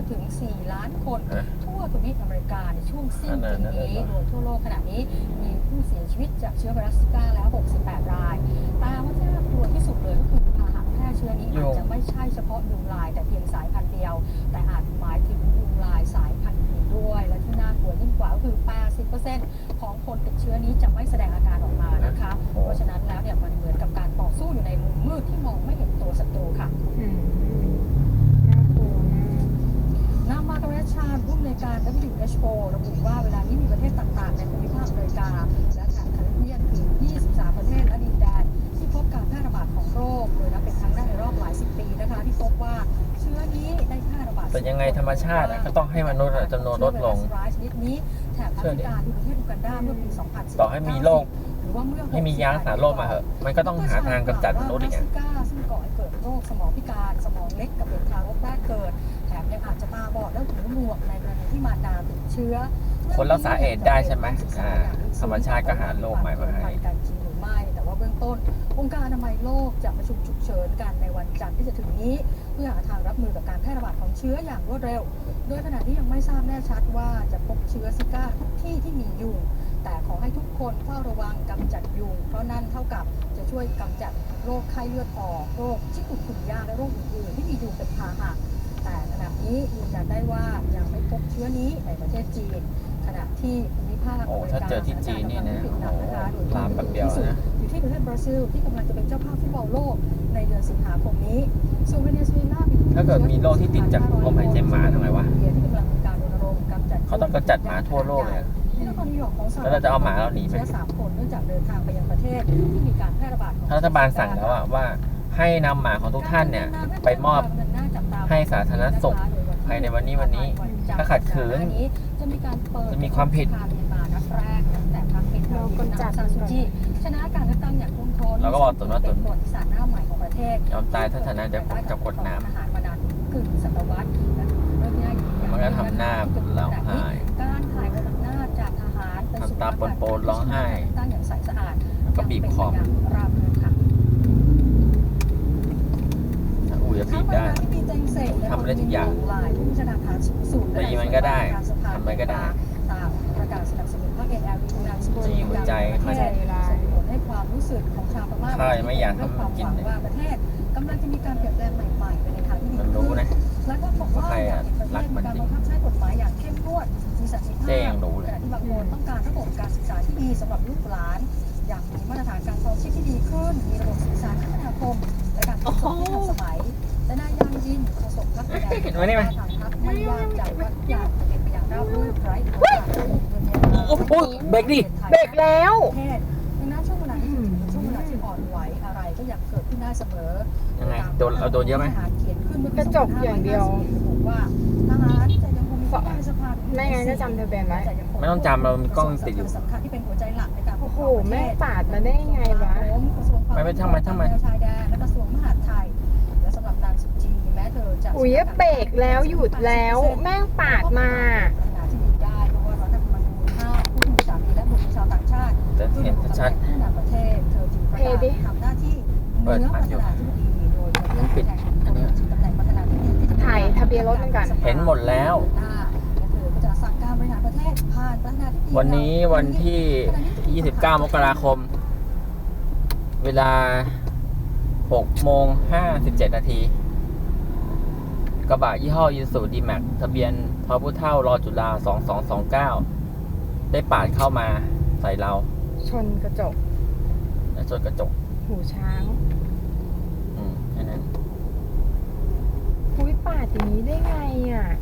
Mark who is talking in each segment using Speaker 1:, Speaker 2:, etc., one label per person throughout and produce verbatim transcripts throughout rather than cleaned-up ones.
Speaker 1: ถึงสี่ล้านคนทั่วทวีปอเมริกาในช่วงสิ้นปีนี้โดยทั่วโลกขณะนี้มีผู้เสียชีวิตจากเชื้อไวรัสซิก้าแล้วหกสิบแปดรายแต่ว่าที่น่ากลัวที่สุดเลยก็คือพาหะแพร่เชื้อนี้อาจจะไม่ใช่เฉพาะยุงลายแต่เพียงสายพันธุ์เดียวแต่อาจหมายถึงยุงลายสายพันธุ์อื่นด้วยและที่น่ากลัวยิ่งกว่าก็คือ แปดสิบเปอร์เซ็นต์ ของคนติดเชื้อนี้จะไม่แสดงอาการออกมานะคะเพราะฉะนั้นแล้วเนี่ยมันเหมือนกับการต่อสู้อยู่ในมุมมืดที่มองไม่เห็นตัวศัตรูค่ะนางมาร์กาเร็ต ชาญผู้อำนวยการ ดับเบิลยู เอช โอ ระบุว่าเวลานี้มีประเทศต่างๆในภูมิภาคอเมริกาและแถบแคริบเบียนถึงยี่สิบสามประเทศและดินแดนที่พบการแพร่ระบาดของโรคโดยนับเป็นครั้งแรกในรอบหลายสิบปีนะคะที่พบว่าเชื้อนี้ได้แพร่ระบาด
Speaker 2: แต่ยังไงธรรมชาติก็ต้องให้มนุษย์จำนวนลดลง
Speaker 1: ชนิดนี้แถบแอฟริกาที่ประเทศอูกันดาเมื่อปีสองพันสิบเก้า
Speaker 2: ต่อให้มีโรคให้มียารักษาโรคมาเหอะมันก็ต้องหาทางกำจัดมนุษย์อีกอ่ะ
Speaker 1: ซึ่งก่อให้เกิดโรคสมองพิการสมองเล็กกับเด็กทารกแรกเกิดแถมยังอาจจะตาบอดและหูหนวกในกรณีที่มารดาติดเชื้อ
Speaker 2: คนรักษาเอดส์ได้ใช่ไหมอ่าธรรมชาติก็หาโรคใหม่มาให้
Speaker 1: กันจริงหรือไม่แต่ว่าเบื้องต้นองค์การอนามัยโลกจะประชุมฉุกเฉินกันในวันจันทร์ที่จะถึงนี้เพื่อหาทางรับมือกับการแพร่ระบาดของเชื้ออย่างรวดเร็วโดยขณะที่ยังไม่ทราบแน่ชัดว่าจะพบเชื้อซิก้าทุกที่ที่มียุงแต่ขอให้ทุกคนเฝ้าระวังกำจัดยุงเพราะนั่นเท่ากับจะช่วยกำจัดโรคไข้เลือดออกโรคชิคุนกุนยาและโรคอื่นๆที่มียุงเป็นพาหะแต่ขณะนี้ยืนยันได้ว่ายังไม่พบเชื้อนี้ในประเทศจีนขณะที่ภูมิภาค
Speaker 2: โอ้ถ้าเจอที่จีนนี่นะลามแบบเดียวนะ
Speaker 1: อยู่ที่ประเทศบราซิลที่กำลังจะเป็นเจ้าภาพฟุตบอลโลกในเดือนสิงหาคมนี้ส่วนเวเนซุเอลา
Speaker 2: ถ้าเกิดมีโรคที่ติดจากลมหายใจหมาทำไงวะเขาต้องกำจัดหมาทั่วโลกเลยแล้วเราจะเอาหมาเราหนีไหม
Speaker 1: สามคนเนื่องจากเดินทางไปยังประเทศที่มีการแพร่ระบาด
Speaker 2: รัฐบาลสั่งแล้วว่าให้นำหมาของทุกท่านเนี่ยไปมอบให้สาธารณสุขภายในวันนี้วันนี้ถ้าขัดขืนจะมีความผิด
Speaker 1: เรากำจัดชนะการเลือกตั้งอย่างท่วมท้น
Speaker 2: เราก็บอกตุนว่าตุน
Speaker 1: ประวัติศาสตร์หน้าใหม่ของประเทศ
Speaker 2: ยอมตายถ้าชนะเดี๋ยวผมจะกดน้ำ
Speaker 1: กึ่งศตวรรษ
Speaker 2: มันก็ทำหน้าร้องไห้
Speaker 1: การถ่ายอำนาจจากทหาร
Speaker 2: ทำตาปนๆร้องไห้
Speaker 1: ตั้งอย่างใสสะอาด
Speaker 2: ก็บีบคอ
Speaker 1: ราบรื่นค่ะ
Speaker 2: อุ้ยจะบีบได้ทำได้ทุกอย่างตีมันก็ได้ทำอะไรก็ได้
Speaker 1: ตามประกาศสนับสนุนภาคเอ็นแอลวีนางสกุล
Speaker 2: จะอยู่ใจ
Speaker 1: มันส่งผลให้ความรู้สึกของชาวพม่า
Speaker 2: ไม่อยากทำกิน
Speaker 1: ว่าประเทศกำลังจะมีการเปลี่ยนแปลงใหม่ๆไปในทางที่ดี
Speaker 2: มันรู้นะ
Speaker 1: และก็บอกว่าอยากเห็นประเทศมีการบังคับใช้กฎหมายอย่างเข้มงวดมีสันติภาพขณะที่บางคนต้องการระบบการศึกษาที่ดีสำหรับลูกหลานอยากมีมาตรฐานการครองชีพที่ดีขึ้นมีระบบสื่อสารคมนาคมและการขนส่งที่ทันสมัยแต่นายยางยินโฆษกพรรคแดงทางพรรคไม่วางใจว่าทุกอย่างจะเป็นไปอย่างราบรื่นไร้อุปสรรค
Speaker 2: โอ้โหเบรกดิเบรกแล้ว
Speaker 1: ดังนั้นช่วงเวลาที่ช่วงเวลาที่อ่อนไหวอะไรก็อยากเกิดขึ้นได้เสมอ
Speaker 2: ยังไงโดนเราโดนเยอะไหม
Speaker 3: กระจกอย่างเดียว
Speaker 1: ว่าทหารจะยังคงมีสภาพ
Speaker 3: ไม่งั้นจะจำทะเบียนไว้
Speaker 2: ไม่ต้องจำเรามีกล้องติดอยู่
Speaker 1: สำคัญที่เป็นหัวใจหลักในการ
Speaker 3: โอ้โหแม่ปาดมาได้ไงวะ
Speaker 2: ไม่ไม่ทำไมทำไม
Speaker 1: ชายแดนและกระทรวงมหาดไทยและสำหรับนางสุจีแม้เธอจะ
Speaker 3: อุ้ยเบรกแล้วหยุดแล้วแม่งปาดมา
Speaker 1: ที่ดีได้เพราะว่ารัฐธรรมนูญห้ามผู้มีสามีและบุตรชาวต่างชาติ
Speaker 2: เห็นชัด
Speaker 1: ผู้นำประเทศเธอจึงประกาศทำหน้าที่เนื้อประธานาธิบดีโดยเลือกแทนตำแหน่งประธานาธิบดี
Speaker 3: ถ่ายทะเบียนรถเหมือนกัน
Speaker 2: เห็นหมดแล้ววันนี้วันที่ยี่สิบเก้ามกราคมเวลาหกโมงห้าสิบเจ็ดนาทีกระบะยี่ห้อยูซูดีแม็กทะเบียนพพุเท่ารอจุฬาสองสองสองเก้าได้ปาดเข้ามาใส่เรา
Speaker 3: ชนกระจก
Speaker 2: และชนกระจก
Speaker 3: หูช้าง
Speaker 2: อืมแค่นั้น
Speaker 3: คุยปาดอย่างนี้ได้ไงอ่ะ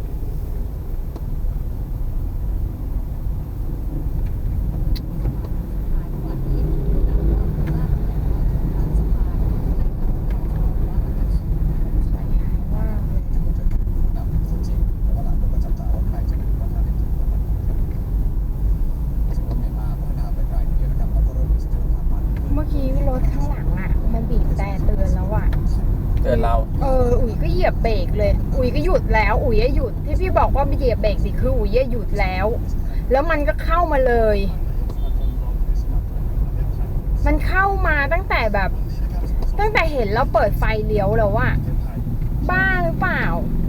Speaker 2: เรา
Speaker 3: เอออุ๋ยก็เหยียบเบรกเลยอุ๋ยก็หยุดแล้วอุ๋ยหยุดที่พี่บอกว่าไม่เหยียบเบรกสิคืออุ๋ยหยุดแล้วแล้วมันก็เข้ามาเลยมันเข้ามาตั้งแต่แบบตั้งแต่เห็นแล้วเปิดไฟเลี้ยวแล้วอะบ้าหรือเปล่า